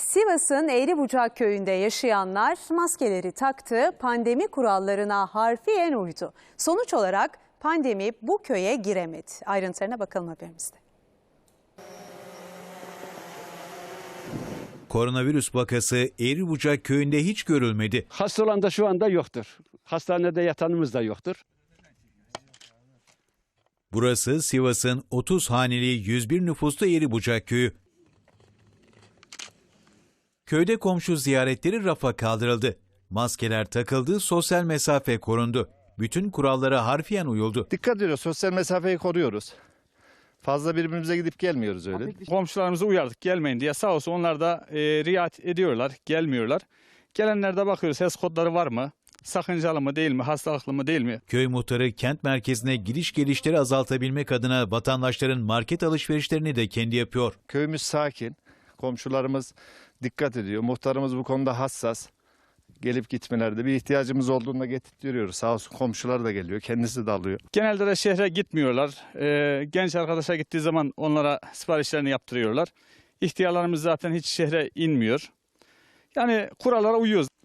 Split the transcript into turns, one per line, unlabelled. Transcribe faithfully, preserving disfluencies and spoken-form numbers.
Sivas'ın Eğribucak köyünde yaşayanlar maskeleri taktı, pandemi kurallarına harfiyen uydu. Sonuç olarak pandemi bu köye giremedi. Ayrıntılarına bakalım haberimizde.
Koronavirüs vakası Eğribucak köyünde hiç görülmedi.
Hasta olan da şu anda yoktur. Hastanede yatanımız da yoktur.
Burası Sivas'ın otuz haneli yüz bir nüfuslu Eğribucak köyü. Köyde komşu ziyaretleri rafa kaldırıldı. Maskeler takıldı, sosyal mesafe korundu. Bütün kurallara harfiyen uyuldu.
Dikkat ediyoruz, sosyal mesafeyi koruyoruz. Fazla birbirimize gidip gelmiyoruz öyle.
Komşularımızı uyardık gelmeyin diye, sağ olsun onlar da e, riayet ediyorlar, gelmiyorlar. Gelenlerde bakıyoruz, H E S kodları var mı? Sakıncalı mı değil mi? Hastalıklı mı değil mi?
Köy muhtarı kent merkezine gidiş gelişleri azaltabilmek adına vatandaşların market alışverişlerini de kendi yapıyor.
Köyümüz sakin, komşularımız dikkat ediyor. Muhtarımız bu konuda hassas. Gelip gitmelerde bir ihtiyacımız olduğunda getirtiyoruz. Sağ olsun komşular da geliyor, kendisi de alıyor.
Genelde de şehre gitmiyorlar. E, genç arkadaşa gittiği zaman onlara siparişlerini yaptırıyorlar. İhtiyarlarımız zaten hiç şehre inmiyor. Yani kurallara uyuyoruz.